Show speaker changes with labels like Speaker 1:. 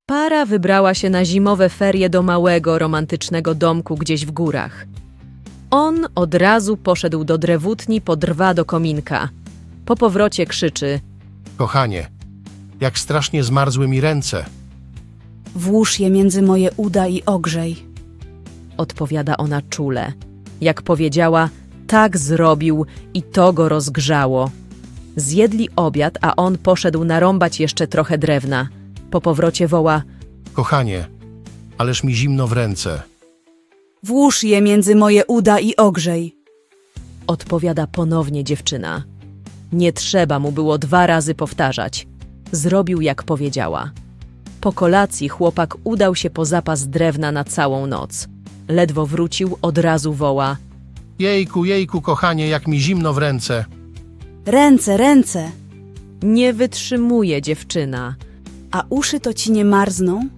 Speaker 1: Para wybrała się na zimowe ferie do małego, romantycznego domku gdzieś w górach. On od razu poszedł do drewutni po drwa do kominka. Po powrocie krzyczy:
Speaker 2: Kochanie, jak strasznie zmarzły mi ręce.
Speaker 3: Włóż je między moje uda i ogrzej.
Speaker 1: odpowiada ona czule. Jak powiedziała, tak zrobił i to go rozgrzało. Zjedli obiad, a on poszedł narąbać jeszcze trochę drewna. Po powrocie woła:
Speaker 2: Kochanie, ależ mi zimno w ręce.
Speaker 3: Włóż je między moje uda i ogrzej.
Speaker 1: odpowiada ponownie dziewczyna. Nie trzeba mu było 2 razy powtarzać. Zrobił jak powiedziała. Po kolacji chłopak udał się po zapas drewna na całą noc. Ledwo wrócił, od razu woła:
Speaker 2: Jejku, kochanie, jak mi zimno w ręce.
Speaker 3: Ręce, ręce.
Speaker 1: nie wytrzymuje dziewczyna.
Speaker 3: A uszy to ci nie marzną?